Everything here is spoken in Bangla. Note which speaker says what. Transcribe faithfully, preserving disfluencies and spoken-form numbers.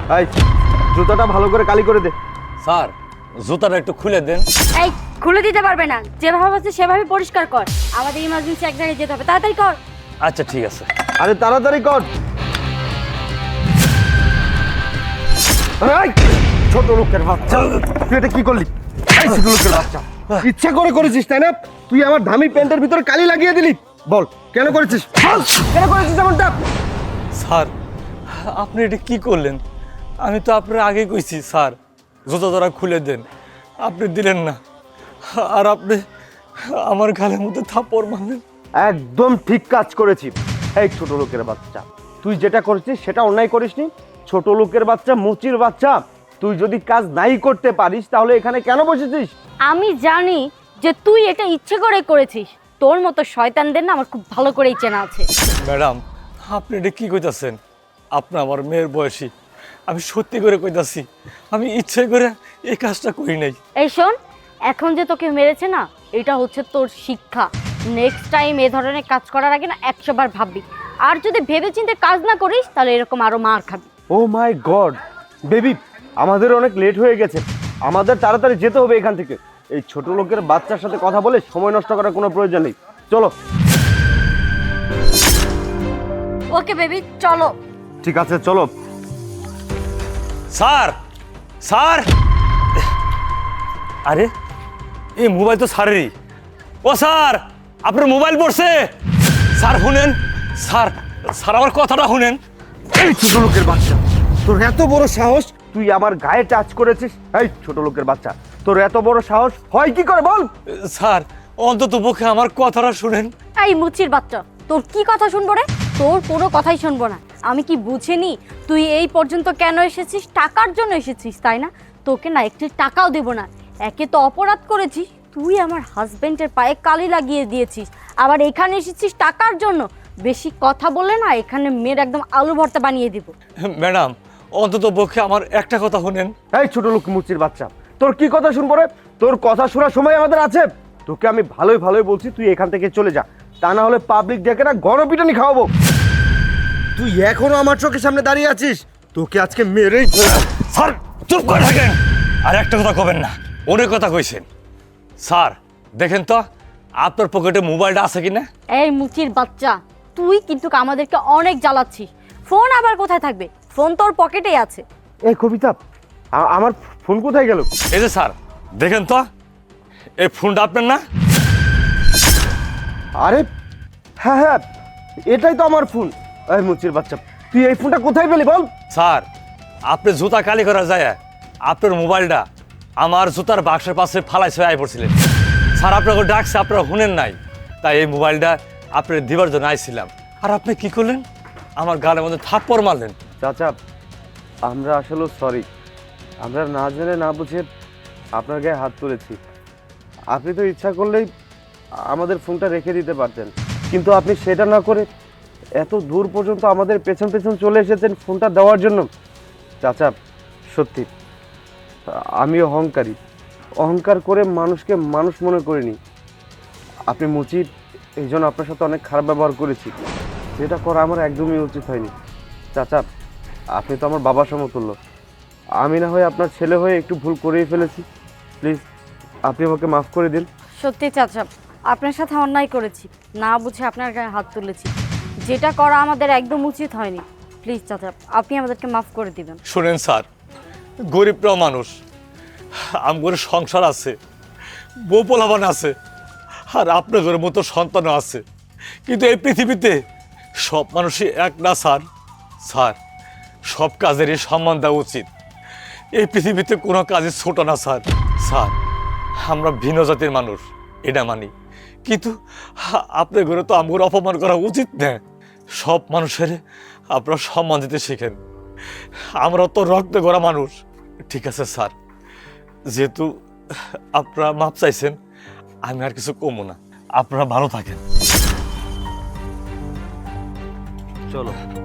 Speaker 1: এই জুতাটা ভালো করে কালি করে দে।
Speaker 2: স্যার জুতাটা একটু খুলে দেন।
Speaker 3: এই খুলে দিতে পারবে না, যেভাবে আছে সেভাবে পরিষ্কার কর। আমাদের ইমার্জেন্সি এক জায়গায় যেতে হবে, তাড়াতাড়ি কর।
Speaker 2: আচ্ছা ঠিক আছে।
Speaker 1: আরে তাড়াতাড়ি কর। এই ছোট লোকের বাচ্চা, তুই এটা কি করলি? এই ছোট লোকের বাচ্চা, ইচ্ছা করে করেছিস তাই না? তুই আমার দামি প্যান্টের ভিতর কালি লাগিয়ে দিলি। বল কেন করেছিস? বল কেন করেছিস এমনটা?
Speaker 2: স্যার আপনি এটা কি করলেন? আমি তো আপনার আগে কইছি স্যার জুতা ধরা খুলে দেন, আপনি দিলেন না, আর আপনি আমার গালের মধ্যে থাপ্পড় মারলেন।
Speaker 1: একদম ঠিক কাজ করেছি। এই ছোট লোকের বাচ্চা, তুই যেটা করেছিস সেটা অন্যায় করিসনি। ছোট লোকের বাচ্চা, মুচির বাচ্চা, তুই যদি কাজ নাই করতে পারিস তাহলে এখানে কেন বসেছিস?
Speaker 3: আমি জানি যে তুই এটা ইচ্ছে করে করেছিস। তোর মতো শয়তানদের না আমার খুব ভালো করেই চেনা আছে।
Speaker 2: ম্যাডাম আপনি এটা কি কইতাছেন? আপনি আমার মেয়ের বয়সী, আমি সত্যি করে কইতাছি আমি ইচ্ছে করে এই কাজটা করি নাই।
Speaker 3: এই শোন, এখন যে তোকে মেরেছে না, এটা হচ্ছে তোর শিক্ষা। নেক্সট টাইম এ ধরনের কাজ করার আগে না একশো বার ভাববি। আর যদি ভেবেচিন্তে কাজ না করিস তাহলে এরকম আরো মার খাবি।
Speaker 1: ও মাই গড বেবি, আমাদের অনেক লেট হয়ে গেছে, আমাদের তাড়াতাড়ি যেতে হবে এখান থেকে। এই ছোট লোকের বাচ্চার সাথে কথা বলে সময় নষ্ট করার কোনো প্রয়োজন নেই, চলো।
Speaker 3: ওকে বেবি, চলো।
Speaker 1: ঠিক আছে চলো।
Speaker 2: স্যার স্যার, আরে এই মোবাইল তো স্যারেরই। ও স্যার আপনার মোবাইল পড়ছে। স্যার শুনেন, স্যার স্যার আমার কথাটা শুনেন।
Speaker 1: এই ছোট লোকের বাচ্চা, তোর এত বড় সাহস, তুই আমার গায়ে টাচ করেছিস? এই ছোট লোকের বাচ্চা, তোর এত বড় সাহস হয় কি করে বল?
Speaker 2: স্যার অন্তত পক্ষে আমার কথাটা শুনেন।
Speaker 3: এই মুচির বাচ্চা, তোর কি কথা শুনবো রে? তোর কোনো কথাই শুনবো না। আমি কি বুঝিনি তুই এই পর্যন্ত কেন এসেছিস? টাকার জন্য এসেছিস তাই না? তোকে না একটি টাকাও দেব না। একে তো অপরাধ করেছিস, তুই আমার হাজবেন্ডের পায়ে কালি লাগিয়ে দিয়েছিস, আবার এখানে এসেছিস টাকার জন্য। বেশি কথা বলে না এখানে মেয়ের একদম আলু ভর্তা বানিয়ে দিব।
Speaker 2: ম্যাডাম অন্তত পক্ষে আমার একটা কথা শুনেন।
Speaker 1: এই ছোট লোক মুচির বাচ্চা, তোর কি কথা শুনবো রে? তোর কথা শোনার সময় আমাদের আছে? তোকে আমি ভালোই ভালোই বলছি তুই এখান থেকে চলে যা, তা না হলে পাবলিক ডেকে না গণপিটানি খাওয়াবো। তুই এখনো আমার চোখের সামনে দাঁড়িয়ে আছিস, তোকে আজকে মেরেই ফেলবো।
Speaker 2: স্যার চুপ করে থাকেন, আর একটা কথা কবেন না, অনেক কথা কইছেন। স্যার দেখেন তো আপনার পকেটে মোবাইলটা আছে কিনা।
Speaker 3: এই মুচির বাচ্চা, তুই কিন্তু আমাদেরকে অনেক জ্বালাচ্ছিস। ফোন আবার কোথায় থাকবে? ফোন তোর পকেটেই আছে।
Speaker 1: এই কবিতা, আ- আমার ফোন কোথায় গেল?
Speaker 2: এই যে স্যার দেখেন তো, এই ফোনটা আপনার না?
Speaker 1: আরে হ্যাঁ হ্যাঁ, এটাই তো আমার ফোন। এই মুচির বাচ্চা, তুই এই ফোনটা কোথায় পেলি বল?
Speaker 2: স্যার আপনি জুতা কালি করা যায়, আপনার মোবাইলটা আমার জুতার বাক্সের পাশে ফালাই ছয় আই পড়ছিলেন। স্যার আপনাকে ডাকছে, আপনারা শুনেন নাই, তাই এই মোবাইলটা আপনার দিবার জন্য আইছিলাম। আর আপনি কি করলেন? আমার গালের মধ্যে থাপ্পড় মারলেন।
Speaker 1: চাচা, আমরা আসলে সরি, আমরা না জেনে না বুঝে আপনার গায়ে হাত তুলেছি। আপনি তো ইচ্ছা করলেই আমাদের ফোনটা রেখে দিতে পারতেন, কিন্তু আপনি সেটা না করে এত দূর পর্যন্ত আমাদের পেছন পেছন চলে এসেছেন ফোনটা দেওয়ার জন্য। চাচা সত্যি আমি অহংকারী, অহংকার করে মানুষকে মানুষ মনে করিনি। আপনি মুচি, এই জন্য আপনার সাথে অনেক খারাপ ব্যবহার করেছি, যেটা করা আমার একদমই উচিত হয়নি। চাচা আপনি তো আমার বাবার সমতুল্য, আমি না হয় আপনার ছেলে হয়ে একটু ভুল করেই ফেলেছি, প্লিজ আপনি আমাকে মাফ করে দিন।
Speaker 3: সত্যি চাচা, আপনার সাথে অন্যায় করেছি, না বুঝে আপনার গায়ে হাত তুলেছি, যেটা করা আমাদের একদম উচিত হয়নি। প্লিজ চাচা, আপনি আমাদেরকে মাফ করে দিবেন।
Speaker 2: শুনেন স্যার, গরিবরাও মানুষ, আমার সংসার আছে, বউ পোলাবান আছে, আর আপনাদের মতো সন্তানও আছে, কিন্তু এই পৃথিবীতে সব মানুষই এক না স্যার। স্যার সব কাজেরই সম্মান দেওয়া উচিত, এই পৃথিবীতে কোনো কাজই ছোট না স্যার। স্যার আমরা ভিন্ন জাতির মানুষ এটা মানি, কিন্তু আপনার ঘরে তো আমার অপমান করা উচিত না। সব মানুষের আপনারা সম্মান দিতে শেখেন, আমরা তো রক্ত গড়া মানুষ। ঠিক আছে স্যার, যেহেতু আপনারা মাপ চাইছেন আমি আর কিছু কমো না, আপনারা ভালো থাকেন।
Speaker 1: চলো।